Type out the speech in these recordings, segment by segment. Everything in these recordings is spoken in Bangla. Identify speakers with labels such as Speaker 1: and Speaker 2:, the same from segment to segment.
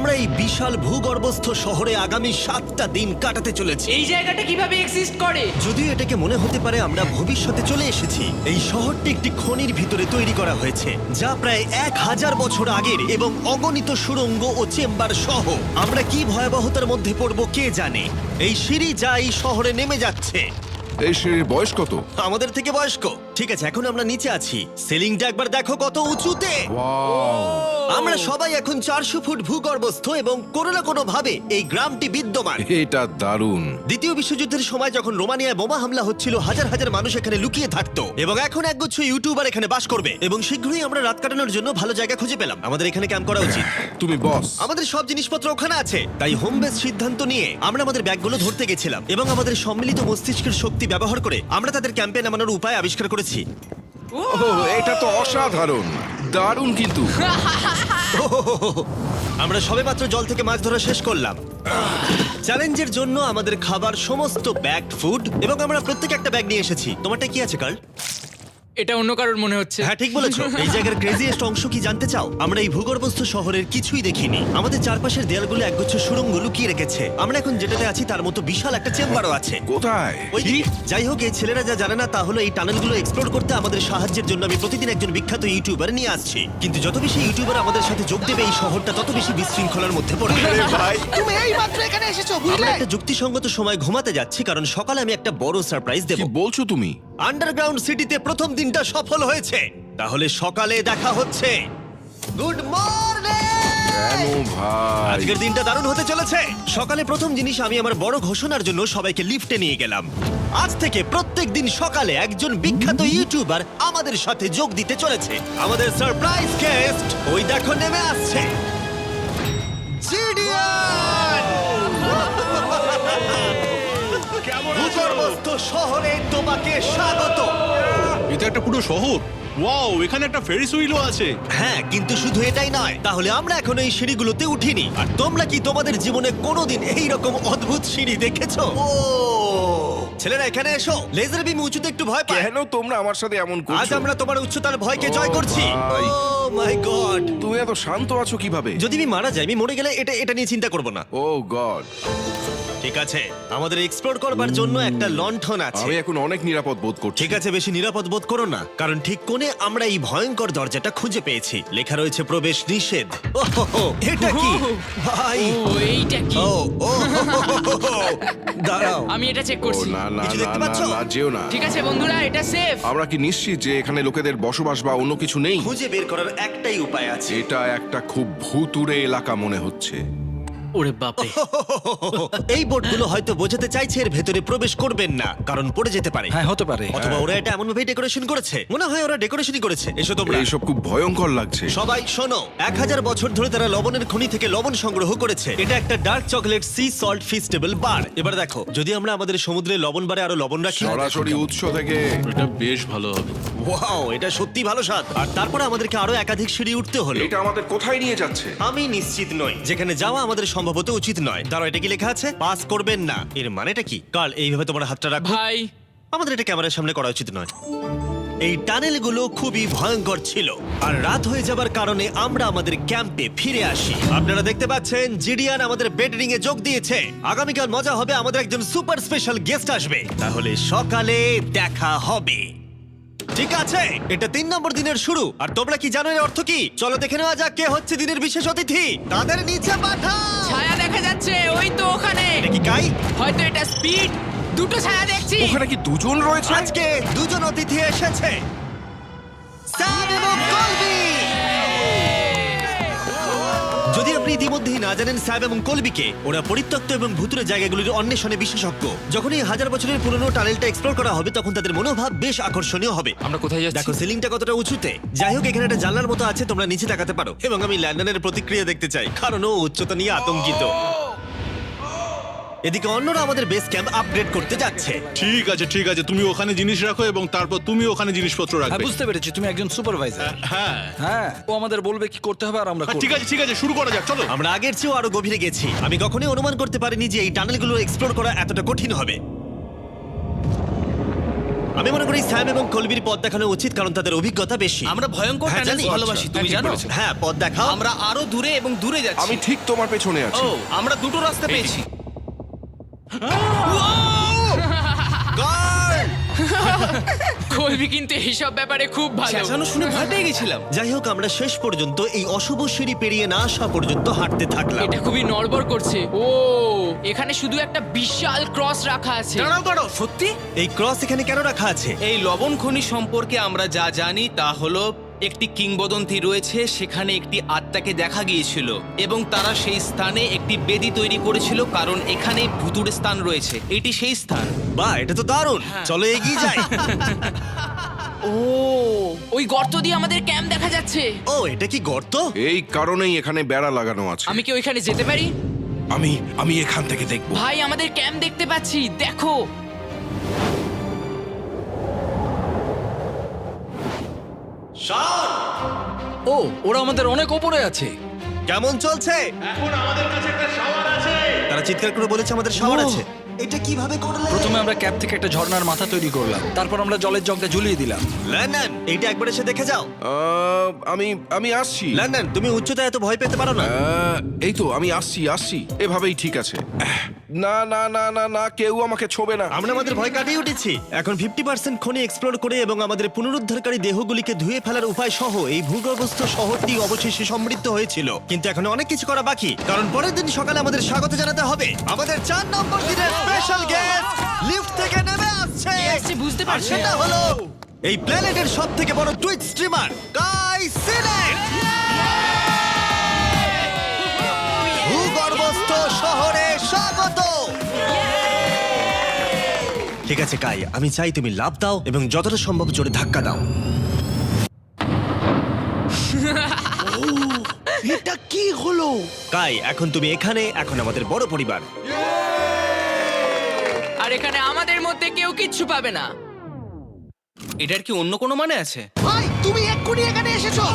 Speaker 1: আমরা এই বিশাল ভূগর্ভস্থ শহরে আগামী 7টা দিন কাটাতে চলেছি।
Speaker 2: এই জায়গাটা কিভাবে এক্সিস্ট করে?
Speaker 1: যদিও এটাকে মনে হতে পারে আমরা ভবিষ্যতে চলে এসেছি, এই শহরটি একটি খনির ভিতরে তৈরি করা হয়েছে যা প্রায় 1000 বছর আগের এবং অগণিত সুড়ঙ্গ ও চেম্বার সহ। আমরা কি ভয়াবহতার মধ্যে পড়ব কে জানে। এই সিঁড়ি যা এই শহরে নেমে যাচ্ছে
Speaker 3: এই সিঁড়ির বয়স কত?
Speaker 1: আমাদের থেকে বয়স্ক। ঠিক আছে, এখন আমরা নিচে আছি। সিলিংটা একবার দেখো কত উঁচুতে। আমরা সবাই এখন 400 ফুট ভূগর্ভস্থ এবং কোনো না কোনো ভাবে এই গ্রামটি বিদ্যমান।
Speaker 3: এটা দারুণ।
Speaker 1: দ্বিতীয় বিশ্বযুদ্ধের সময় যখন রোমানিয়ায় বোমা হামলা হচ্ছিল, হাজার হাজার মানুষ এখানে লুকিয়ে থাকতো এবং এখন একগুচ্ছ ইউটিউবার এখানে বাস করবে। এবং শীঘ্রই আমরা রাত কাটানোর জন্য ভালো জায়গা খুঁজে পেলাম। আমাদের এখানে ক্যাম্প করা উচিত।
Speaker 3: তুমি বস।
Speaker 1: আমাদের সব জিনিসপত্র ওখানে আছে, তাই হোম বেস সিদ্ধান্ত নিয়ে আমরা আমাদের ব্যাগগুলো ধরতে গেছিলাম এবং আমাদের সম্মিলিত মস্তিষ্কের শক্তি ব্যবহার করে আমরা তাদের ক্যাম্পে নামানোর উপায় আবিষ্কার করেছি।
Speaker 3: ওহ, এটা তো অসাধারণ, দারুণ। কিন্তু
Speaker 1: আমরা সবেমাত্র জল থেকে মাছ ধরা শেষ করলাম। চ্যালেঞ্জের জন্য আমাদের খাবার সমস্ত ব্যাগ ফুড এবং আমরা প্রত্যেকে একটা ব্যাগ নিয়ে এসেছি। তোমারটা কি আছে কার্ল?
Speaker 2: এটা অন্য কারোর মনে হচ্ছে।
Speaker 1: হ্যাঁ, ঠিক বলেছো। এই জায়গার ক্রেজিয়েস্ট অংশ কি জানতে চাও? আমরা এই ভূগর্ভস্থ শহরের কিছুই দেখিনি। আমাদের চারপাশের দেয়ালগুলো একগুচ্ছ সুড়ঙ্গ লুকিয়ে রেখেছে। আমরা এখন যেটাতে আছি তার মতো বিশাল একটা চেম্বারও আছে।
Speaker 3: কোথায়?
Speaker 1: ওইদিকে। যাই হোক, এই ছেলেরা যা জানে না তা হলো এই টানেলগুলো এক্সপ্লোর করতে আমাদের সাহায্যের জন্য আমি প্রতিদিন একজন বিখ্যাত ইউটিউবার নিয়ে আসছি। কিন্তু যত বেশি ইউটিউবার আমাদের সাথে যোগ দেবে, এই শহরটা তত বেশি বিশৃঙ্খলার মধ্যে পড়বে। ভাই,
Speaker 4: তুমি এই মাত্র এখানে এসেছো,
Speaker 1: আমরা
Speaker 4: বুঝলে?
Speaker 1: একটা যুক্তিসঙ্গত সময় ঘুমাতে যাচ্ছি কারণ সকালে আমি একটা বড় সারপ্রাইজ দেব।
Speaker 3: কি বলছো তুমি?
Speaker 1: আন্ডারগ্রাউন্ড সিটিতে প্রথম দিনটা সফল হয়েছে। তাহলে সকালে দেখা হচ্ছে। Good morning!
Speaker 3: কেন ভাই?
Speaker 1: আজকের দিনটা দারুণ হতে চলেছে। সকালে প্রথম জিনিস, আমি আমার বড় ঘোষণার জন্য সবাইকে লিফটে নিয়ে গেলাম। আজ থেকে প্রত্যেক দিন সকালে একজন বিখ্যাত ইউটিউবার আমাদের সাথে যোগ দিতে চলেছে। আমাদের সারপ্রাইজ গেস্ট ওই দেখো নেমে আসছে, জিডিয়ান! ভূগর্ভস্থ শহরে তোমাকে স্বাগত।
Speaker 5: এটা একটা পুরো শহর। ওয়াও, এখানে একটা ফেরিস হুইলও আছে।
Speaker 1: হ্যাঁ, কিন্তু শুধু এটাই নয়। তাহলে আমরা এখন এই সিঁড়িগুলোতে উঠিনি। আর তোমরা কি তোমাদের জীবনে কোনোদিন এই রকম অদ্ভুত সিঁড়ি দেখেছো? ও ছেলেরা, এখানে এসো। লেজার বিম উঁচুতে একটু ভয় পায়।
Speaker 3: কেন তোমরা আমার সাথে এমন
Speaker 1: আজ
Speaker 3: করছো?
Speaker 1: আমরা তোমার উচ্চতার ভয়কে জয়
Speaker 3: ও
Speaker 1: করছি।
Speaker 3: ভাই।
Speaker 1: Oh my god!
Speaker 3: তুমি এত শান্ত আছো কিভাবে?
Speaker 1: যদি আমি মারা যাই, আমি মরে গেলে এটা নিয়ে চিন্তা করব না।
Speaker 3: ও গড,
Speaker 1: ঠিক আছে, আমাদের এক্সপ্লোর করবার জন্য একটা লণ্ঠন আছে।
Speaker 3: আমি এখন অনেক নিরাপদ বোধ করছি।
Speaker 1: ঠিক আছে, বেশি নিরাপদ বোধ করো না, কারণ ঠিক কোণে আমরা এই ভয়ঙ্কর দরজাটা খুঁজে পেয়েছি। লেখা রয়েছে প্রবেশ নিষেধ। ওহো, এটা কি ভাই?
Speaker 2: ও এইটা কি?
Speaker 1: ও ও দাঁড়াও,
Speaker 2: আমি এটা চেক
Speaker 3: ও
Speaker 2: করছি।
Speaker 3: না না
Speaker 1: কিছু
Speaker 3: না
Speaker 1: দেখতে
Speaker 3: না
Speaker 1: পাচ্ছো?
Speaker 3: না, যেও না।
Speaker 2: ঠিক আছে বন্ধুরা, এটা সেফ।
Speaker 3: আমরা কি নিশ্চিত যে এখানে লোকেদের বসবাস বা অন্য কিছু নেই?
Speaker 1: খুঁজে বের করার একটাই উপায় আছে।
Speaker 3: এটা একটা খুব ভুতুড়ে এলাকা মনে হচ্ছে।
Speaker 2: ওরে বাপরে।
Speaker 1: এই বোর্ডগুলো হয়তো বোঝাতে চাইছে এর ভেতরে প্রবেশ করবেন না, কারণ পড়ে যেতে পারে।
Speaker 4: হ্যাঁ, হতে পারে।
Speaker 1: অথবা ওরা এটা এমন ভাবে ডেকোরেশন করেছে, মনে হয় ওরা ডেকোরেশনই করেছে। এসো তোমরা।
Speaker 3: এইসব খুব ভয়ঙ্কর লাগছে।
Speaker 1: সবাই শোনো, 1000 বছর ধরে তারা লবণের খনি থেকে লবণ সংগ্রহ করেছে। এটা একটা dark chocolate sea salt Feastable bar. এবার দেখো, যদি আমরা আমাদের সমুদ্রে লবণ বারে আরো লবণ রাখি।
Speaker 3: সরাসরি উৎস থেকে।
Speaker 5: এটা বেশ ভালো হবে।
Speaker 1: ওয়াও, এটা সত্যি ভালো স্বাদ। আর তারপরে আমাদেরকে আরো একাধিক সিঁড়ি উঠতে হলো।
Speaker 3: এটা আমাদের কোথায় নিয়ে যাচ্ছে?
Speaker 1: আমি নিশ্চিত নই। যেখানে যাওয়া আমাদের সম্ভবত উচিত নয়। দাঁড়াও, এটা কি লেখা আছে? পাস করবেন না। এর মানেটা কি? কাল এইভাবে তোমার হাতটা রাখো।
Speaker 2: ভাই,
Speaker 1: আমাদের এটা ক্যামেরার সামনে করা উচিত নয়। এই টানেলগুলো খুবই ভয়ঙ্কর ছিল, আর রাত হয়ে যাবার কারণে আমরা আমাদের ক্যাম্পে ফিরে আসি। আপনারা দেখতে পাচ্ছেন জিডিয়ান আমাদের বেডরিং এ যোগ দিয়েছে। আগামীকাল মজা হবে, আমাদের একজন সুপার স্পেশাল গেস্ট আসবে। তাহলে সকালে দেখা হবে। ঠিক আছে, এটা 3 নম্বর দিনের শুরু। আর তোমরা কি জানো এর অর্থ কি? চলো দেখে নেওয়া যাক কে হচ্ছে দিনের বিশেষ অতিথি। তাদের নিচে পাঠাও।
Speaker 2: ছায়া দেখা যাচ্ছে ওই তো ওখানে।
Speaker 1: এটা কি কাই?
Speaker 2: হয়তো এটা স্পিড। দুটো ছায়া দেখছি।
Speaker 3: ওখানে কি দুজন রয়েছে?
Speaker 1: আজকে দুজন অতিথি এসেছে, স্যাম এবং কলবি। যদি আপনি ইতিমধ্যেই না জানেন স্যাম এবং কলবিকে, ওরা পরিত্যক্ত এবং ভুতুরে জায়গাগুলির অন্বেষণে বিশেষজ্ঞ। যখন এই 1000 বছরের পুরনো টানেলটা এক্সপ্লোর করা হবে, তখন তাদের মনোভাব বেশ আকর্ষণীয় হবে।
Speaker 2: আমরা কোথায় যাচ্ছি?
Speaker 1: দেখো সিলিংটা কতটা উঁচুতে। যাই হোক, এখানে একটা জানলার মতো আছে, তোমরা নিচে তাকাতে পারো। এবং আমি ল্যান্ডনের প্রতিক্রিয়া দেখতে চাই, কারণ ও উচ্চতা নিয়ে আতঙ্কিত। এদিকে অন্যরা আমাদের বেস ক্যাম্প আপগ্রেড করতে যাচ্ছে।
Speaker 5: ঠিক আছে ঠিক আছে, তুমি ওখানে জিনিস রাখো এবং তারপর তুমি ওখানে জিনিসপত্র
Speaker 4: হ্যাঁ,
Speaker 5: রাখবে।
Speaker 4: বুঝতে পেরেছি, তুমি একজন সুপারভাইজার।
Speaker 5: হ্যাঁ
Speaker 4: হ্যাঁ, ও আমাদের বলবে কি করতে হবে আর আমরা করব।
Speaker 5: ঠিক আছে, শুরু করা যাক, চলো।
Speaker 1: আমরা আগের চেয়েও আরো গভীরে গেছি। আমি কখনোই অনুমান করতে পারিনি যে এই টানেলগুলো এক্সপ্লোর করা এতটা কঠিন হবে। আমি মনে করি স্যাম এবং কলবির পথ দেখানো উচিত, কারণ তাদের অভিজ্ঞতা বেশি।
Speaker 6: আমরা ভয়ঙ্কর
Speaker 1: হ্যাঁ,
Speaker 6: টানেলস
Speaker 1: জানি।
Speaker 6: ভালোবাসি, তুমি
Speaker 5: ঠিক
Speaker 6: জানো?
Speaker 5: বলেছো।
Speaker 1: হ্যাঁ, পথ দেখাও।
Speaker 6: আমরা আরো দূরে এবং দূরে যাচ্ছি।
Speaker 3: আমি ঠিক তোমার পেছনে আছি।
Speaker 6: ও, আমরা দুটো রাস্তা পেয়েছি।
Speaker 1: Guard!
Speaker 2: কলবি কিন্তু এইসব ব্যাপারে খুব ভালো।
Speaker 6: চেঁচানো শুনে ভয় পেয়ে গেছিলাম।
Speaker 1: যাই হোক, আমরা শেষ পর্যন্ত এই অশুভ সিঁড়ি পেরিয়ে না আসা পর্যন্ত হাঁটতে থাকলাম।
Speaker 2: এটা খুবই নড়বড় করছে। ও, এখানে শুধু একটা বিশাল ক্রস রাখা আছে।
Speaker 6: দাঁড়াও, সত্যি?
Speaker 1: এই ক্রস এখানে কেন রাখা আছে?
Speaker 6: এই লবণ খনি সম্পর্কে আমরা যা জানি তা হলো একটি কিংবদন্তি রয়েছে, সেখানে একটি আত্মাকে দেখা গিয়েছিল এবং তারা সেই স্থানে একটি বেদি তৈরি করেছিল, কারণ এখানে ভুতুড়ে স্থান রয়েছে। এটি সেই স্থান।
Speaker 1: বাহ, এটা তো দারুণ। চলো এগিয়ে যাই।
Speaker 2: ও, ওই গর্ত দিয়ে আমাদের ক্যাম্প দেখা যাচ্ছে।
Speaker 1: ও, এটা কি গর্ত?
Speaker 3: এই কারণেই এখানে বেড়া লাগানো আছে।
Speaker 2: আমি কি ওইখানে যেতে পারি?
Speaker 3: আমি এখান থেকে দেখব।
Speaker 2: ভাই, আমাদের ক্যাম্প দেখতে পাচ্ছি, দেখো।
Speaker 4: ও, ওরা আমাদের অনেক ওপরে আছে।
Speaker 1: কেমন চলছে? তারা চিৎকার করে বলেছে আমাদের শাওয়ার আছে। এটা কিভাবে করলে?
Speaker 4: প্রথমে আমরা ক্যাপ থেকে একটা ঝর্ণার মাথা তৈরি করলাম, তারপর আমরা জলের জগটা ঝুলিয়ে দিলাম।
Speaker 1: লন্ডন, এইটা একবার এসে দেখে যাও।
Speaker 3: আমি আসছি।
Speaker 1: লন্ডন, তুমি উচ্চতায় এত ভয় পেতে পারো না।
Speaker 3: এই তো আমি আসছি। এভাবেই ঠিক আছে। না না না না না, কেউ আমাকে ছোবে না।
Speaker 1: আমরা আমাদের ভয় কাটিয়ে উঠেছি। এখন 50% খনি এক্সপ্লোর করে এবং আমাদের পুনরুদ্ধারকারী দেহগুলিকে ধুয়ে ফেলার উপায় সহ এই ভূগর্ভস্থ শহরটি অবশেষে সমৃদ্ধ হয়েছিল। কিন্তু এখন অনেক কিছু করা বাকি, কারণ পরের দিন সকালে আমাদের স্বাগত জানাতে হবে আমাদের 4 নম্বর দিনের স্পেশাল গেস্ট লিফট থেকে নেমে আসছে।
Speaker 2: কে আসছে বুঝতে
Speaker 1: আর
Speaker 2: পারছি
Speaker 1: সেটা
Speaker 2: না।
Speaker 1: হলো এই প্ল্যানেটের সবথেকে বড় টুইট স্ট্রিমার গাই সিলেট। ভূগর্ভস্থ শহরে স্বাগত। ঠিক আছে কাই, আমি চাই তুমি লাফ দাও এবং যতটা সম্ভব জোরে ধাক্কা দাও।
Speaker 3: এটা কি হলো?
Speaker 1: কাই, এখন তুমি এখানে, এখন আমাদের বড় পরিবার।
Speaker 2: আর এখানে আমাদের মধ্যে কেউ কিচ্ছু পাবে না।
Speaker 6: এটার কি অন্য কোনো মানে আছে?
Speaker 7: ভাই তুমি এক্ষুনি এখানে এসেছো।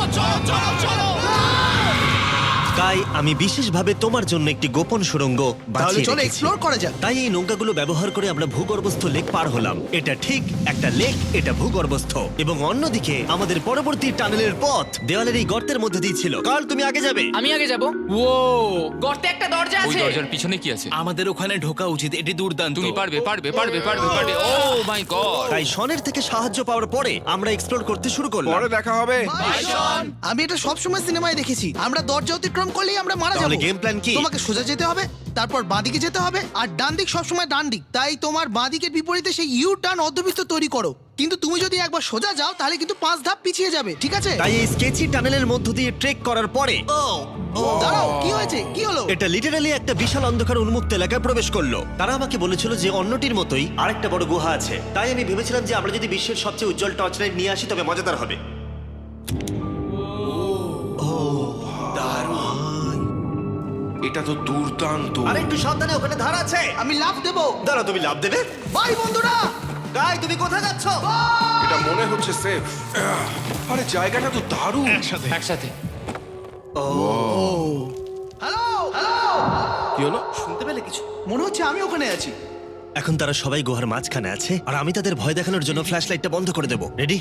Speaker 1: কাই, আমি বিশেষভাবে তোমার জন্য একটি গোপন সুড়ঙ্গ
Speaker 7: তাহলে
Speaker 1: বাছিয়ে
Speaker 7: চলো
Speaker 1: রেখেছি।
Speaker 7: এক্সপ্লোর করা যাক।
Speaker 1: তাই এই নৌকাগুলো ব্যবহার করে আমরা ভূগর্ভস্থ লেক পার হলাম। এটা ঠিক একটা লেক, এটা ভূগর্ভস্থ। এবং অন্যদিকে আমাদের পরবর্তী টানেলের পথ দেওয়ালের এই গর্তের মধ্যে দিয়ে ছিল। কাল তুমি আগে যাবে।
Speaker 2: আমি আগে যাব। ও, গর্তে একটা দরজা
Speaker 8: ওই
Speaker 2: আছে।
Speaker 8: দরজার পিছনে কি আছে?
Speaker 6: আমাদের ওখানে ঢোকা উচিত, এটি দুর্দান্ত।
Speaker 8: তুমি পারবে। Oh my god!
Speaker 1: তাই শনের থেকে সাহায্য পাওয়ার পরে আমরা এক্সপ্লোর করতে শুরু করলাম।
Speaker 3: পরে দেখা হবে।
Speaker 7: আমি এটা সবসময় সিনেমায় দেখেছি, আমরা দরজা অতিক্রম করলেই আমরা মারা
Speaker 1: তাহলে
Speaker 7: যাবো।
Speaker 1: game plan কি?
Speaker 7: তোমাকে সোজা যেতে হবে, তারপর বাঁদিকে যেতে হবে, আর ডান দিক সবসময় ডান দিক। তাই তোমার বাঁদিকের বিপরীতে সেই ইউ টার্ন অর্ধবৃত্ত তৈরি করো। কিন্তু তুমি যদি একবার সোজা যাও তাহলে কিন্তু 5 ধাপ পিছিয়ে যাবে, ঠিক আছে?
Speaker 1: তাই এই স্কেচি টানেলের মধ্য দিয়ে ট্রেক করার পরে
Speaker 7: দাঁড়াও, কি হয়েছে, কি হলো?
Speaker 1: এটা লিটারালি একটা বিশাল অন্ধকার উন্মুক্ত এলাকায় প্রবেশ করলো। তারা আমাকে বলেছিল যে অন্যটির মতোই আরেকটা বড় গুহা আছে। তাই আমি ভেবেছিলাম যে আমরা যদি বিশ্বের সবচেয়ে উজ্জ্বল টর্চ লাইট নিয়ে আসি তবে মজাদার হবে।
Speaker 3: এটা তো দুর্দান্ত।
Speaker 1: আর একটু সাবধানে, ওখানে ধার আছে।
Speaker 7: আমি লাফ দেবো।
Speaker 1: দাঁড়াও, তুমি লাভ দেবে?
Speaker 7: বাই বন্ধুরা।
Speaker 1: গাই, তুমি কোথায় যাচ্ছ?
Speaker 3: এটা মনে হচ্ছে সেফ। আরে জায়গাটা তো দারুণ।
Speaker 8: একসাথে।
Speaker 7: হ্যালো হ্যালো,
Speaker 3: কি হলো?
Speaker 6: শুনতে পেলে কিছু?
Speaker 7: মনে হচ্ছে আমি ওখানে আছি।
Speaker 1: এখন তারা সবাই গুহার মাঝখানে আছে আর আমি তাদের ভয় দেখানোর জন্য ফ্ল্যাশ লাইটটা বন্ধ করে দেবো। রেডি?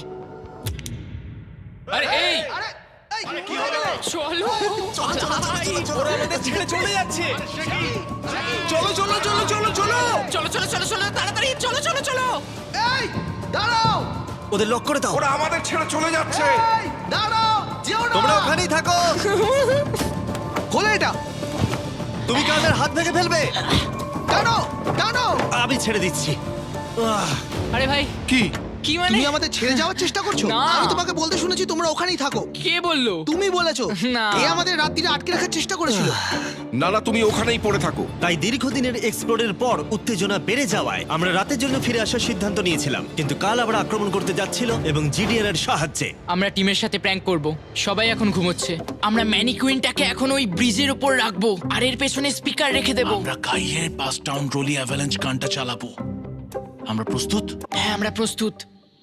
Speaker 8: আরে এই
Speaker 7: আরে এই,
Speaker 2: চলো।
Speaker 6: ওরা আমাদের ছেড়ে চলে যাচ্ছে। চলো চলো চলো চলো চলো।
Speaker 2: চলো, তাড়াতাড়ি চলো।
Speaker 7: এই দাঁড়াও,
Speaker 1: ওদের লক করে দাও।
Speaker 3: ওরা আমাদের ছেড়ে চলে যাচ্ছে।
Speaker 7: এই দাঁড়াও, যেও না।
Speaker 1: তোমরা ওখানেই থাকো।
Speaker 7: খোলো এটা।
Speaker 1: তুমি কাদের হাত ভেঙে ফেলবে।
Speaker 7: টানো টানো।
Speaker 1: আমি ছেড়ে দিচ্ছি।
Speaker 2: আরে ভাই,
Speaker 3: কি?
Speaker 2: কি মানে?
Speaker 7: তুমি আমাদের ছেড়ে যাওয়ার চেষ্টা করছো?
Speaker 2: না।
Speaker 7: আমি তোমাকে বলতে শুনেছি তোমরা ওখানেই থাকো।
Speaker 2: কে বললো?
Speaker 7: তুমি বলেছো।
Speaker 2: না।
Speaker 7: এ আমাদের রাত্রিরে আটকে রাখার চেষ্টা করেছিল।
Speaker 3: না না, তুমি ওখানেই পড়ে থাকো।
Speaker 1: তাই দীর্ঘদিনের এক্সপ্লোরের পর উত্তেজনা বেড়ে যাওয়ায় আমরা রাতের জন্য ফিরে আসার সিদ্ধান্ত নিয়েছিলাম। কিন্তু কাল আবার আক্রমণ করতে যাচ্ছিল এবং জিডিএন এর সাহায্যে।
Speaker 2: আমরা টিমের সাথে প্র্যাঙ্ক করব। সবাই এখন ঘুমোচ্ছে। আমরা ম্যানিকুইনটাকে এখন ওই ব্রিজের উপর রাখবো আর এর পেছনে স্পিকার রেখে দেব।
Speaker 5: আমরা কাইয়ের পাস টাউন রোলি অ্যাভালাঞ্চ গানটা চালাবো। আমরা প্রস্তুত?
Speaker 2: হ্যাঁ, আমরা প্রস্তুত।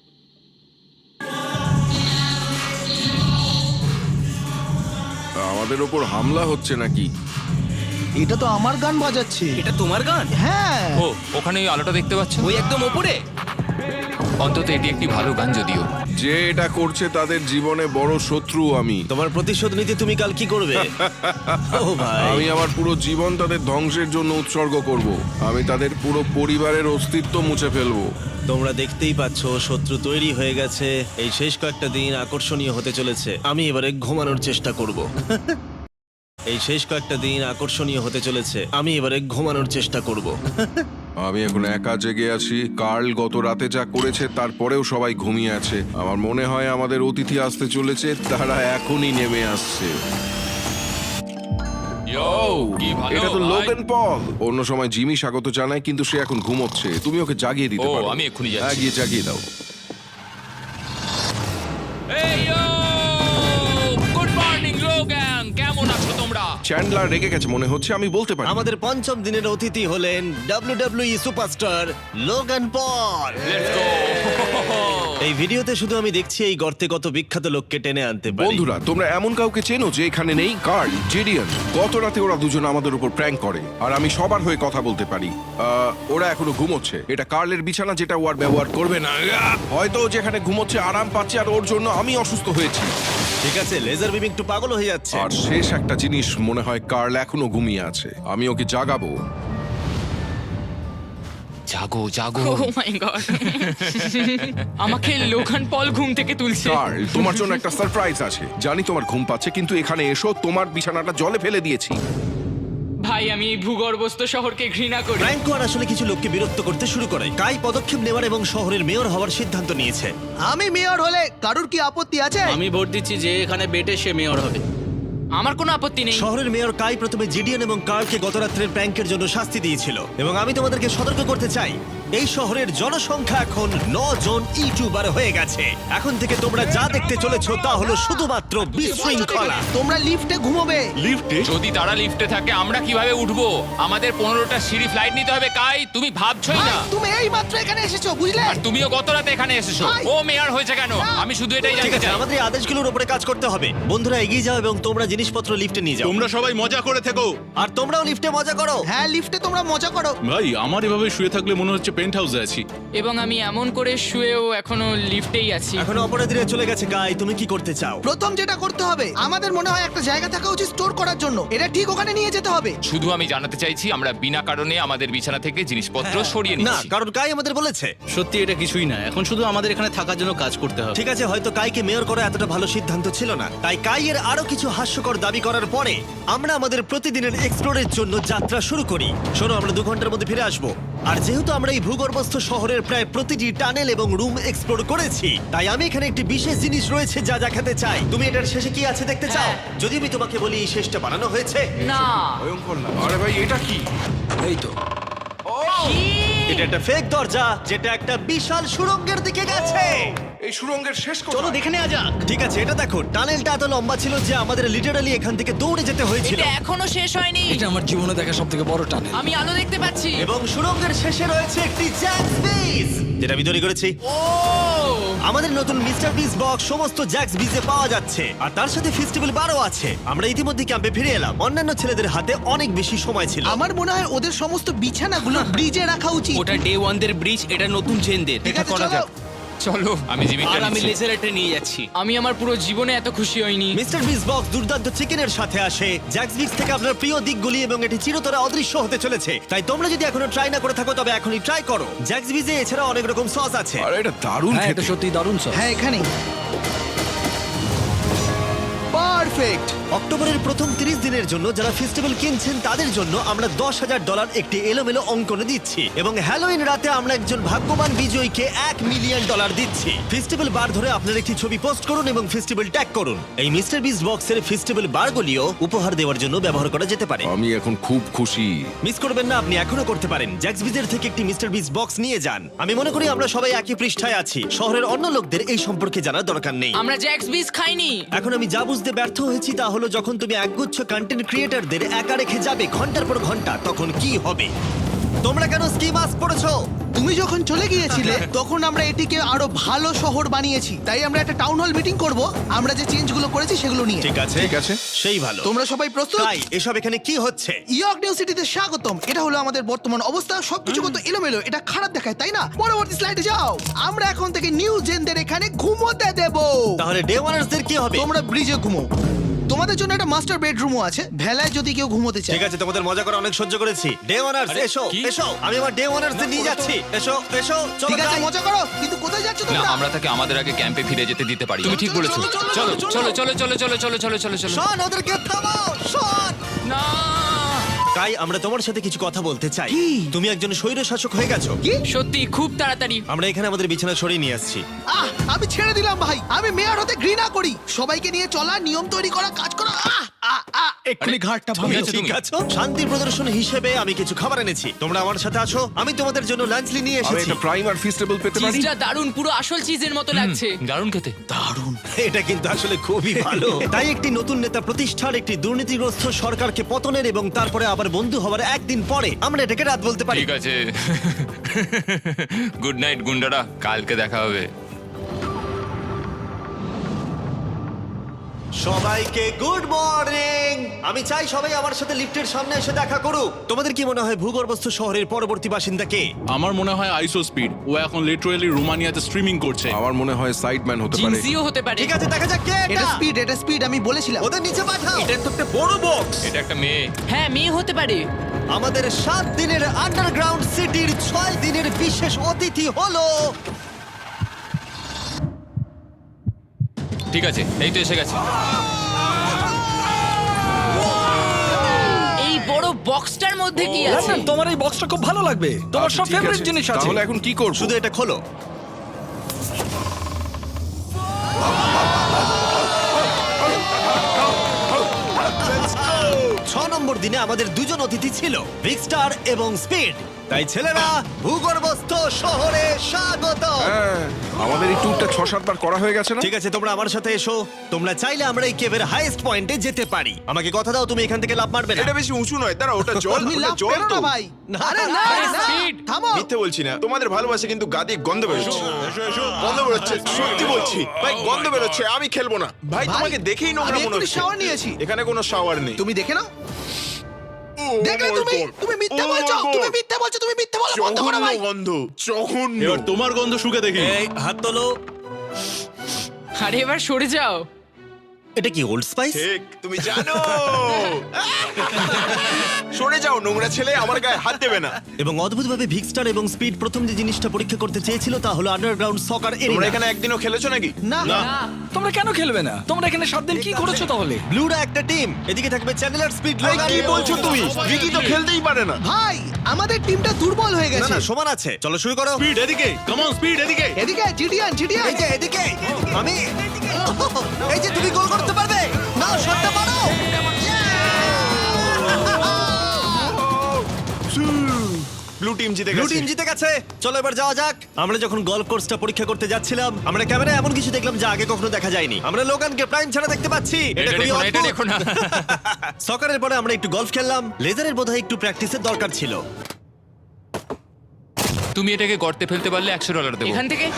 Speaker 3: আমাদের ওপর হামলা হচ্ছে নাকি?
Speaker 7: এটা তো আমার গান বাজাচ্ছে।
Speaker 6: এটা তোমার গান?
Speaker 7: হ্যাঁ।
Speaker 8: ও, ওখানে ওই আলোটা দেখতে পাচ্ছ?
Speaker 6: ওই একদম ওপরে।
Speaker 8: অন্তত এটি একটি ভালো গান যদিও।
Speaker 3: যে এটা করছে তাদের জীবনে বড় শত্রু আমি।
Speaker 1: তোমার প্রতিশোধ নিতে তুমি কাল কি করবে? ও ভাই,
Speaker 3: আমি আমার পুরো জীবন তাদের ধ্বংসের জন্য উৎসর্গ করব। আমি তাদের পুরো পরিবারের অস্তিত্ব মুছে ফেলবো।
Speaker 1: তোমরা দেখতেই পাচ্ছ শত্রু তৈরি হয়ে গেছে। এই শেষ কয়েকটা দিন আকর্ষণীয় হতে চলেছে। আমি এবারে ঘুমানোর চেষ্টা করব। এই শেষ কয়েকটা দিন আকর্ষণীয় হতে চলেছে। আমি এবারে ঘুমানোর চেষ্টা করব।
Speaker 3: আমি এখন একা জেগে আছি। কার্ল গত রাতে যা করেছে তারপরেও সবাই ঘুমিয়ে আছে। আমার মনে হয় আমাদের অতিথি আসতে চলেছে, তারা এখনই নেমে আসছে।
Speaker 8: কি ভালো
Speaker 3: এটা তো
Speaker 8: ভাই।
Speaker 3: Logan Paul. অন্য সময় জিমি স্বাগত জানায়, কিন্তু সে এখন ঘুমোচ্ছে। তুমি ওকে জাগিয়ে দিতে
Speaker 8: ও,
Speaker 3: পারো।
Speaker 8: আমি এক্ষুনি যাচ্ছি।
Speaker 3: হ্যাঁ, গিয়ে জাগিয়ে দাও।
Speaker 8: এই গুড মর্নিং লোগান, কেমন আছো তোমরা?
Speaker 3: চ্যান্ডলার রেগে গেছে মনে হচ্ছে, আমি বলতে পারি।
Speaker 1: আমাদের পঞ্চম দিনের অতিথি হলেন WWE superstar Logan Paul.
Speaker 8: Let's go.
Speaker 1: এই ভিডিওতে শুধু আমি দেখছি এই গর্তে কত বিখ্যাত লোককে টেনে আনতে পারি।
Speaker 3: বন্ধুরা, তোমরা এমন কাউকে চেনো যে এখানে নেই? Karl, Jidion. গত রাতে ওরা দুজন আমাদের উপর প্র্যাঙ্ক করে, আর আমি সবার হয়ে কথা বলতে পারি। ওরা এখনো ঘুমোচ্ছে। এটা কার্লের বিছানা, যেটা ও আর ব্যবহার করবে না। হয়তো ও যেখানে ঘুমোচ্ছে আরাম পাচ্ছে, আর ওর জন্য আমি অসুস্থ হয়েছি।
Speaker 1: ঠিক আছে, লেজার বিম একটু পাগল হয়ে যাচ্ছে।
Speaker 3: আর শেষ একটা জিনিস, মনে হয় কার্ল এখনো ঘুমিয়ে আছে। আমি ওকে জাগাবো।
Speaker 8: জাগো জাগো।
Speaker 2: ও মাই গড, আমাকে লোগান পল ঘুম থেকে তুলছে।
Speaker 3: কার্ল, তোমার জন্য একটা সারপ্রাইজ আছে। জানি তোমার ঘুম পাচ্ছে, কিন্তু এখানে এসো, তোমার বিছানাটা জলে ফেলে দিয়েছি।
Speaker 2: ভাই, আমি এই ভূগর্ভস্থ শহরকে ঘৃণা করি।
Speaker 1: ফ্র্যাঙ্কো আর আসলে কিছু লোককে বিরক্ত করতে শুরু করে। কাই পদক্ষেপ নেওয়ার এবং শহরের মেয়র হওয়ার সিদ্ধান্ত নিয়েছে।
Speaker 7: আমি মেয়র হলে কারুর কি আপত্তি আছে?
Speaker 9: আমি ভোট দিচ্ছি যে এখানে বেটে সে মেয়র হবে।
Speaker 2: আমার কোনো আপত্তি নেই।
Speaker 1: শহরের মেয়র কাই প্রথমে জিডিএন এবং কার্লকে গত রাত্রের প্র্যাঙ্কের জন্য শাস্তি দিয়েছিল, এবং আমি তোমাদেরকে সতর্ক করতে চাই, এই শহরের জনসংখ্যা এখন 9 জন ইউটিউবার হয়ে গেছে। এখন থেকে তোমরা যা দেখতে চলেছো তা হলো শুধুমাত্র বিশৃঙ্খলা।
Speaker 7: তোমরা লিফটে ঘুমোবে।
Speaker 8: যদি তারা লিফটে থাকে আমরা কিভাবে উঠবো? আমাদের 15টা সিঁড়ি ফ্লাইট নিতে হবে। কাই, তুমি ভাবছোই
Speaker 7: ভাই,
Speaker 8: না।
Speaker 7: তুমি এই মাত্র এখানে এসেছো, বুঝলে?
Speaker 8: আর তুমিও গত রাতে এখানে এসেছো।
Speaker 7: ভাই।
Speaker 8: ও মেয়ার হয়েছে কেন? আমি শুধু এটাই
Speaker 1: ঠিক
Speaker 8: জানতে
Speaker 1: আছে,
Speaker 8: চাই।
Speaker 1: আমাদের এই আদেশগুলোর উপরে কাজ করতে হবে। বন্ধুরা, এগিয়ে যাও এবং তোমরা জিনিসপত্র লিফটে নিয়ে যাও।
Speaker 5: তোমরা সবাই মজা করে থেকো।
Speaker 1: আর তোমরাও লিফটে মজা করো।
Speaker 7: হ্যাঁ, লিফটে তোমরা মজা করো।
Speaker 5: ভাই, আমার এভাবে শুয়ে থাকলে মনে হচ্ছে পেন্ট হাউসে আছি।
Speaker 2: এবং আমি এমন করে শুয়েও এখনো লিফটেই আছি।
Speaker 1: এখন অপরাধীরা চলে গেছে। কাই, তুমি কি করতে চাও?
Speaker 7: প্রথম যেটা করতে হবে, আমাদের মনে হয় একটা জায়গা থাকা উচিত স্টোর করার জন্য। এটা ঠিক ওখানে নিয়ে যেতে হবে।
Speaker 8: শুধু আমি জানাতে চাইছি আমরা বিনা কারণে আমাদের বিছানা থেকে জিনিসপত্র সরিয়ে
Speaker 1: না,
Speaker 8: নিচ্ছি।
Speaker 1: কারণ কাই আমাদের বলেছে।
Speaker 9: সত্যি এটা কিছুই না, এখন শুধু আমাদের এখানে থাকার জন্য কাজ করতে হবে।
Speaker 1: ঠিক আছে, হয়তো কাইকে মেয়র করা এতটা ভালো সিদ্ধান্ত ছিল না। তাই কাইয়ের আরো কিছু হাস্যকর দাবি করার পরে আমরা আমাদের প্রতিদিনের এক্সপ্লোরের জন্য যাত্রা শুরু করি। শোনো, আমরা 2 ঘন্টার মধ্যে ফিরে আসবো। আর যেহেতু আমরা এই ভূগর্ভস্থ শহরের প্রায় প্রতিটি টানেল এবং রুম এক্সপ্লোর করেছি, তাই আমি এখানে একটি বিশেষ জিনিস রয়েছে যা দেখাতে চাই। তুমি এটার শেষে কি আছে দেখতে চাও?
Speaker 2: হ্যাঁ।
Speaker 1: যদি আমি তোমাকে বলি এই শেষটা বানানো হয়েছে।
Speaker 2: না,
Speaker 3: ভয়ঙ্কর না? আরে ভাই, এটা কি?
Speaker 4: এই তো।
Speaker 1: এটা একটা ফেক দরজা যেটা একটা বিশাল সুড়ঙ্গের দিকে গেছে।
Speaker 3: এই সুড়ঙ্গের শেষ
Speaker 6: চলো
Speaker 3: কোথায়?
Speaker 6: দেখে নেওয়া যাক।
Speaker 1: ঠিক আছে, এটা দেখো, টানেলটা এত লম্বা ছিল যে আমাদের লিটারালি এখান থেকে দৌড়ে যেতে হয়েছিল।
Speaker 2: এটা এখনো শেষ হয়নি।
Speaker 4: এটা আমার জীবনে দেখা সব থেকে বড় টানেল।
Speaker 2: আমি আলো দেখতে পাচ্ছি।
Speaker 1: এবং সুড়ঙ্গের শেষে রয়েছে একটি জ্যাক্স বিজ, যেটা আমি তৈরি করেছি।
Speaker 2: ও,
Speaker 1: আমাদের নতুন মিস্টার বিস বক্স সমস্ত জ্যাক্স বিজে পাওয়া যাচ্ছে, আর তার সাথে ফেস্টিভ্যাল বারও আছে। আমরা ইতিমধ্যে ক্যাম্পে ফিরে এলাম। অন্যান্য ছেলেদের হাতে অনেক বেশি সময় ছিল।
Speaker 7: আমার মনে হয় ওদের সমস্ত বিছানাগুলো ব্রিজে রাখা উচিত।
Speaker 6: ওটা ডে 1 দের ব্রিজ, এটা নতুন জেনদের।
Speaker 7: ঠিক আছে, চলো।
Speaker 8: চলো, আমি জিমিটা
Speaker 6: আর আমি
Speaker 8: নিচ্ছি।
Speaker 6: লেজারেটে নিয়ে যাচ্ছি।
Speaker 2: আমি আমার পুরো জীবনে এত খুশি হইনি।
Speaker 1: মিস্টার বিস বক্স দুর্দান্ত চিকেনের সাথে আসে, জ্যাক্স বিক্স থেকে আপনার প্রিয় দিকগুলি, এবং এটি চিরতরে অদৃশ্য হতে চলেছে। তাই তোমরা যদি এখনো ট্রাই না করে থাকো তবে এখনই ট্রাই করো। জ্যাক্স বিজে এছাড়া অনেক রকম সস আছে।
Speaker 3: আরে এটা দারুণ
Speaker 4: হ্যাঁ,
Speaker 3: খেতে।
Speaker 4: এটা সত্যি দারুণ সব।
Speaker 7: হ্যাঁ, এখানেই। পারফেক্ট।
Speaker 1: অক্টোবরের প্রথম 30 দিনের জন্য যারা ফেস্টিভ্যাল কিনছেন তাদের জন্য আমরা $10,000 একটি এলোমেলো অঙ্কনে দিচ্ছি, এবং হ্যালোইন রাতে আমরা একজন ভাগ্যবান বিজয়ীকে $1 মিলিয়ন দিচ্ছি। ফেস্টিভ্যাল বার ধরে আপনার একটি ছবি পোস্ট করুন এবং ফেস্টিভ্যাল ট্যাগ করুন। এই মিস্টার বিস বক্সের ফেস্টিভ্যাল বারগুলিও উপহার দেওয়ার জন্য ব্যবহার করা যেতে পারে।
Speaker 3: আমি এখন খুব খুশি।
Speaker 1: মিস করবেন না, আপনি এখনো করতে পারেন। জ্যাক্স বিজের থেকে একটি মিস্টার বিস বক্স নিয়ে যান। আমি মনে করি আমরা সবাই একই পৃষ্ঠায় আছি। শহরের অন্য লোকদের এই সম্পর্কে জানার দরকার নেই।
Speaker 2: আমরা জ্যাক্স বিস খাইনি।
Speaker 1: এখন আমি যা বুঝতে ব্যর্থ হয়েছি তা হলো, যখন তুমি একগুচ্ছ কন্টেন্ট ক্রিয়েটরদের একা রেখে যাবে ঘন্টার পর ঘন্টা, তখন কি হবে? তোমরা কেন স্কি মাস্ক পরেছো?
Speaker 7: তুমি যখন চলে গিয়েছিলে তখন আমরা এটিকে আরো ভালো শহর বানিয়েছি, তাই আমরা একটা টাউন হল মিটিং করব আমরা যে চেঞ্জগুলো করেছি সেগুলো নিয়ে।
Speaker 1: ঠিক আছে
Speaker 3: ঠিক আছে।
Speaker 1: সেই ভালো।
Speaker 7: তোমরা সবাই প্রস্তুত?
Speaker 1: তাই এসব এখানে কি হচ্ছে?
Speaker 7: ইয়র্ক নিউ সিটিতে স্বাগতম। এটা হলো আমাদের বর্তমান অবস্থা। সবকিছু কত এলোমেলো, এটা খারাপ দেখায় তাই না? পরবর্তী স্লাইডে যাও। আমরা এখন থেকে নিউ জেনদের এখানে ঘুমোতে দেব।
Speaker 1: তাহলে ডে ওয়ানার্সদের কি হবে?
Speaker 7: তোমরা ব্রিজে ঘুমো। তোমাদের জন্য একটা মাস্টার বেডরুমও আছে, ভেলায় যদি কেউ ঘুমোতে চায়।
Speaker 1: ঠিক আছে, তোমাদের মজা করে অনেক সহ্য করেছি। ডে ওয়ানার্স এসো এসো, আমি আমার ডে ওয়ানার্সদের নিয়ে যাচ্ছি। এসো এসো, চলো
Speaker 7: ঠিক আছে,
Speaker 1: যাই।
Speaker 7: মজা করো, কিন্তু কোথায় যাচ্ছ
Speaker 8: না
Speaker 7: তোমরা?
Speaker 8: আমরা তাকে আমাদের আগে ক্যাম্পে ফিরে যেতে দিতে পারি তুমি ঠিক বলেছো
Speaker 7: চলো,
Speaker 8: চলো চলো চলো চলো চলো চলো চলো চলো
Speaker 1: শোন, ওদেরকে থামাও, শোন।
Speaker 8: না
Speaker 1: তাই আমরা তোমার সাথে কিছু কথা বলতে চাই। তুমি একজন স্বৈর শাসক হয়ে গেছো।
Speaker 2: সত্যি খুব তাড়াতাড়ি।
Speaker 1: আমরা এখানে আমাদের বিছানা সরিয়ে নিয়ে আসছি।
Speaker 7: আমি ছেড়ে দিলাম ভাই, আমি মেয়র হতে ঘৃণা করি। সবাইকে নিয়ে চলা, নিয়ম তৈরি করা, কাজ করা। এক্ষুনি ঘাটটা
Speaker 8: তুমি
Speaker 7: ভাঙলো।
Speaker 8: আছো,
Speaker 1: ঠিক
Speaker 8: তুমি।
Speaker 1: আছে, শান্তি প্রদর্শন হিসেবে আমি কিছু খাবার এনেছি। তোমরা আমার সাথে আসো, আমি তোমাদের জন্য লাঞ্চলি নিয়ে
Speaker 3: আমি
Speaker 1: এসেছি।
Speaker 3: একটা প্রাইম আর ফিস্টেবল পেতে পারি?
Speaker 2: চিজটা দারুণ, পুরো আসল চিজের মতো লাগছে।
Speaker 8: দারুণ খেতে
Speaker 1: এটা কিন্তু আসলে খুবই ভালো। তাই একটি নতুন নেতা প্রতিষ্ঠার, একটি দুর্নীতিগ্রস্ত সরকারকে পতনের এবং তারপরে আবার বন্ধু হওয়ার একদিন পরে আমরা এটাকে রাত বলতে পারি।
Speaker 8: ঠিক আছে গুড নাইট গুন্ডারা কালকে দেখা হবে
Speaker 1: সবাইকে গুড মর্নিং। আমি চাই সবাই আমার সাথে লিফটের সামনে এসে দেখা করুক। তোমাদের কি মনে হয় ভূগর্ভস্থ শহরের পরবর্তী বাসিন্দা কে?
Speaker 5: আমার মনে হয় আইসো স্পিড ও এখন লিটারালি রোমানিয়াতে স্ট্রিমিং করছে
Speaker 3: আমার মনে হয় সাইডম্যান হতে পারে।
Speaker 2: জিনসিও হতে পারে।
Speaker 1: ঠিক আছে, দেখা যাক কে
Speaker 7: এটা
Speaker 1: এটা।
Speaker 7: স্পিড, আমি বলেছিলাম।
Speaker 1: ওদের নিচে পাঠাও। এটা তো একটা বড় বক্স।
Speaker 8: এটা একটা মেয়ে
Speaker 2: হ্যাঁ, মেয়ে হতে পারে।
Speaker 1: আমাদের 7 দিনের আন্ডারগ্রাউন্ড সিটির 6 দিনের বিশেষ অতিথি হলো
Speaker 8: ঠিক আছে এই তো এসে গেছে
Speaker 2: এই বড় বক্সটার মধ্যে কি আছে?
Speaker 4: লন্ডন, তোমার এই বক্সটা খুব ভালো লাগবে। তোমার
Speaker 3: আচ্ছা,
Speaker 4: সব
Speaker 3: ঠিক
Speaker 4: ফেভারিট
Speaker 3: আছে।
Speaker 4: জিনিস আছে।
Speaker 3: তাহলে এখন কি করব?
Speaker 1: শুধু এটা খোলো। ছ নম্বর দিনে আমাদের দুজন অতিথি ছিল, বিগ স্টার এবং স্পিড। তাই ছেলেরা, ভূগর্ভস্থ শহরে স্বাগত।
Speaker 3: হ্যাঁ, আমাদের এই ট্যুরটা 6-7 বার করা হয়ে গেছে না?
Speaker 1: ঠিক আছে, তোমরা আমার সাথে এসো। তোমরা চাইলে আমরা এই কেভের হাইয়েস্ট পয়েন্টে যেতে পারি। আমাকে কথা দাও তুমি এখান থেকে লাফ মারবে না।
Speaker 10: এটা বেশি উঁচু নয়, দাঁড়া, ওটা জল,
Speaker 7: তুমি
Speaker 10: ওটা
Speaker 7: লাভ
Speaker 10: জল
Speaker 7: করো
Speaker 10: তো।
Speaker 7: না ভাই। আরে না,
Speaker 2: আরে
Speaker 7: না,
Speaker 2: speed।
Speaker 7: থামো।
Speaker 10: মিথ্যে বলছি না, তোমাদের ভালোবাসে কিন্তু গাদি গন্ধ বেরোচ্ছে। গন্ধ বেরোচ্ছে, সত্যি বলছি ভাই, গন্ধ বেরোচ্ছে। আমি খেলবো না ভাই,
Speaker 7: ভাই,
Speaker 10: তোমাকে দেখেই নোংরা
Speaker 7: আমি
Speaker 10: মনে
Speaker 7: এক্ষুনি
Speaker 10: হচ্ছে।
Speaker 7: shower নিয়েছি।
Speaker 10: এখানে কোনো শাওয়ার নেই।
Speaker 7: তুমি দেখে নাও।
Speaker 10: ও
Speaker 7: দেখলে
Speaker 10: my
Speaker 7: তুমি,
Speaker 10: God!
Speaker 7: তুমি মিথ্যে
Speaker 10: Oh my
Speaker 7: বলছো,
Speaker 10: God!
Speaker 7: তুমি মিথ্যে বলছো, তুমি মিথ্যে বলা বন্ধ করো
Speaker 10: জঘন্য
Speaker 7: ভাই।
Speaker 10: গন্ধ, জঘন্য।
Speaker 5: এবার তোমার গন্ধ শুকে দেখি।
Speaker 1: এই হাত তোলো।
Speaker 2: আরে এবার সরে যাও।
Speaker 1: এটা কি ওল্ড স্পাইস?
Speaker 10: ঠিক, তুমি জানো। সরে যাও নোংরা ছেলে, আমার গায়ে হাত দেবে না।
Speaker 1: এবং অদ্ভুতভাবে ভিগ স্টার এবং স্পিড প্রথম যে জিনিসটা পরীক্ষা করতে চেয়েছিল তা হলো আন্ডারগ্রাউন্ড সকার
Speaker 10: তোমরা
Speaker 1: এরিয়া।
Speaker 10: এখানে একদিনও খেলেছো নাকি?
Speaker 7: না,
Speaker 4: তোমরা কেন খেলবে না? তোমরা এখানে 7 দিন কি করেছো তাহলে?
Speaker 1: ব্লুরা একটা টিম, এদিকে থাকবে চ্যানেলার, স্পিড,
Speaker 10: এই কি বলছো তুমি? ভিকি তো খেলতেই পারে না।
Speaker 7: ভাই, আমাদের টিমটা দুর্বল হয়ে
Speaker 1: না
Speaker 7: গেছে।
Speaker 1: না, সমান আছে। চলো শুরু করো।
Speaker 5: স্পিড এদিকে, কাম অন স্পিড এদিকে।
Speaker 7: এদিকে জিডিয়ান, জিডিয়ান।
Speaker 1: এই যে এদিকে, আমি এই যে তুমি গোল করতে পারবে না, শটটা মারো।
Speaker 10: ব্লু টিম জিতে
Speaker 1: ব্লু
Speaker 10: গেছে।
Speaker 1: টিম জিতে গেছে। চলো এবার যাওয়া যাক। আমরা যখন গলফ কোর্সটা পরীক্ষা করতে যাচ্ছিলাম, আমরা ক্যামেরায় এমন কিছু দেখলাম যা আগে কখনো দেখা যায়নি। আমরা লোগানকে প্রাইম ছাড়া দেখতে পাচ্ছি।
Speaker 8: এটা
Speaker 1: খুবই
Speaker 8: দেখো না, এটা
Speaker 1: অদ্ভুত।
Speaker 8: দেখো না।
Speaker 1: সকারের পরে আমরা একটু গলফ খেললাম। লেজারের বোধহয় একটু প্র্যাকটিসের দরকার ছিল।
Speaker 8: তুমি এটাকে গর্তে ফেলতে পারলে $100 দেবো
Speaker 2: এখান থেকে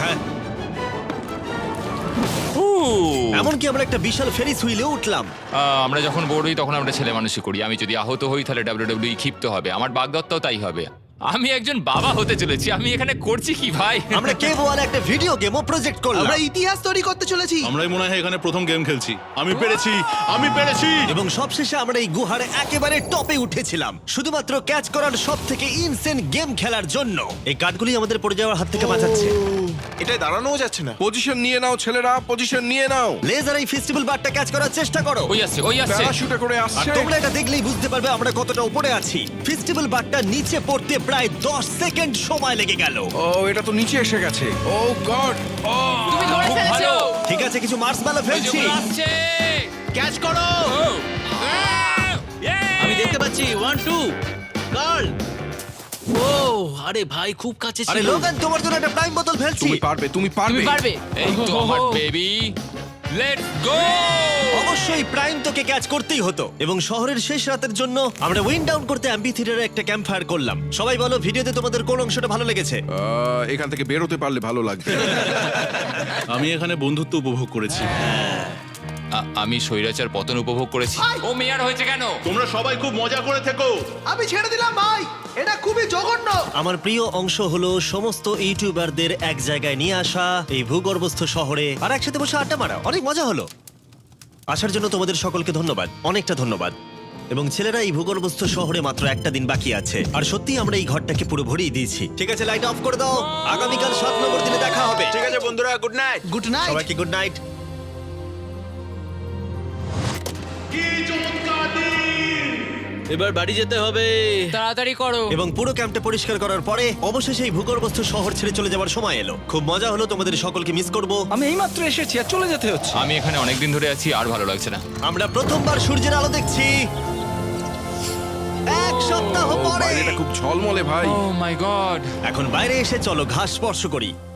Speaker 1: এমনকি আমরা একটা বিশাল ফেরিস হুইলে উঠলাম।
Speaker 8: আমরা যখন বোর হই তখন আমরা ছেলে মানুষই করি আমি যদি আহত হই তাহলে WWE ক্ষিপ্ত হবে আমার বাগদত্তাও তাই হবে আমি একজন বাবা হতে চলেছি আমি এখানে করছি কি ভাই
Speaker 1: আমরা কেভ ওয়ালে একটা ভিডিও গেমও প্রজেক্ট করলাম
Speaker 7: আমরা ইতিহাস তৈরি করতে চলেছি।
Speaker 5: আমরাই মনে হয় এখানে প্রথম গেম খেলছি। আমি পেরেছি, আমি পেরেছি।
Speaker 1: এবং সবশেষে আমরা এই গুহার একেবারে টপে উঠেছিলাম শুধুমাত্র ক্যাচ করার সব থেকে ইনসেন গেম খেলার জন্য। এই কাঠগুলি আমাদের পড়ে যাওয়ার হাত থেকে বাঁচাচ্ছে।
Speaker 10: এটাই দাঁড়ানোও যাচ্ছে না।
Speaker 3: পজিশন নিয়ে নাও ছেলেরা, পজিশন নিয়ে নাও।
Speaker 1: লেজার এই ফেস্টিভ্যাল বারটা ক্যাচ করার চেষ্টা করো।
Speaker 8: ওই আসছে ওই আসছে
Speaker 3: প্যারাশুটে করে
Speaker 1: আর
Speaker 3: আসছে।
Speaker 1: তোমরা এটা দেখলেই বুঝতে পারবে আমরা কতটা উপরে আছি। ফেস্টিভ্যাল বারটা নিচে পড়তে প্রায় 10 সেকেন্ড সময় লেগে গেল।
Speaker 3: ও, এটা তো নিচে এসে গেছে। Oh god.
Speaker 2: তুমি ধরে
Speaker 8: খুব
Speaker 2: ফেলেছো।
Speaker 8: ভালো।
Speaker 1: ঠিক আছে, কিছু মার্সম্যালো ফেলছি।
Speaker 8: আসছে
Speaker 6: ক্যাচ করো। আমি দেখতে পাচ্ছি 1 2 গার্ল। ও আরে ভাই খুব কাছে
Speaker 1: আরে
Speaker 6: ছিল।
Speaker 1: লোগান, তোমার জন্য একটা প্রাইম বোতল ফেলছি।
Speaker 3: তুমি পারবে, তুমি পারবে।
Speaker 2: তুমি পারবে।
Speaker 8: এই তো আমার বেবি লেটস গো!
Speaker 1: অবশ্যই প্রাইম তোকে ক্যাচ করতেই হতো এবং শহরের শেষ রাতের জন্য আমরা উইন্ড ডাউন করতে অ্যাম্পি থিয়েটারে একটা ক্যাম্প ফায়ার করলাম। সবাই বলো ভিডিওতে তোমাদের কোন অংশটা ভালো লেগেছে?
Speaker 3: এখান থেকে বেরোতে পারলে ভালো লাগবে।
Speaker 9: আমি এখানে বন্ধুত্ব উপভোগ করেছি।
Speaker 8: আমি স্বৈরাচার পতন উপভোগ করেছি। ও মেয়ার হয়েছে কেন?
Speaker 10: তোমরা সবাই খুব মজা করে থেকো।
Speaker 7: আমি ছেড়ে দিলাম ভাই, এটা খুবই জঘন্য।
Speaker 1: আমার প্রিয় অংশ হলো সমস্ত ইউটিউবারদের এক জায়গায় নিয়ে আসা এই ভূগর্ভস্থ শহরে আর একসাথে বসে আড্ডা মারা। অনেক মজা হলো। আসার জন্য তোমাদের সকলকে ধন্যবাদ, অনেকটা ধন্যবাদ। এবং ছেলেরা, এই ভূগর্ভস্থ শহরে মাত্র একটা দিন বাকি আছে আর সত্যি আমরা এই ঘরটাকে পুরো ভরিয়ে দিয়েছি। ঠিক আছে, লাইট অফ করে দাও। আগামীকাল 7 নম্বর দিনে দেখা হবে।
Speaker 10: ঠিক আছে বন্ধুরা, গুড নাইট।
Speaker 7: Good night.
Speaker 1: সবাইকে গুড নাইট।
Speaker 9: এবার বাড়ি যেতে হবে।
Speaker 2: তাড়াতাড়ি করো।
Speaker 1: এবং পুরো ক্যাম্পটা পরিষ্কার করার পরে অবশেষে এই ভূগর্ভস্থ শহর ছেড়ে চলে যাওয়ার সময় এলো। খুব মজা হলো, তোমাদের সকলকে মিস করব।
Speaker 4: আমি এইমাত্র এসেছি আর চলে যেতে হচ্ছে।
Speaker 8: আমি এখানে অনেকদিন ধরে আছি আর ভালো লাগছে না।
Speaker 1: আমরা প্রথমবার সূর্যের আলো দেখছি 1 সপ্তাহ পরে।
Speaker 3: বাইরেটা খুব ঝলমলে ভাই।
Speaker 8: Oh my god!
Speaker 1: এখন বাইরে এসে চলো ঘাস স্পর্শ করি।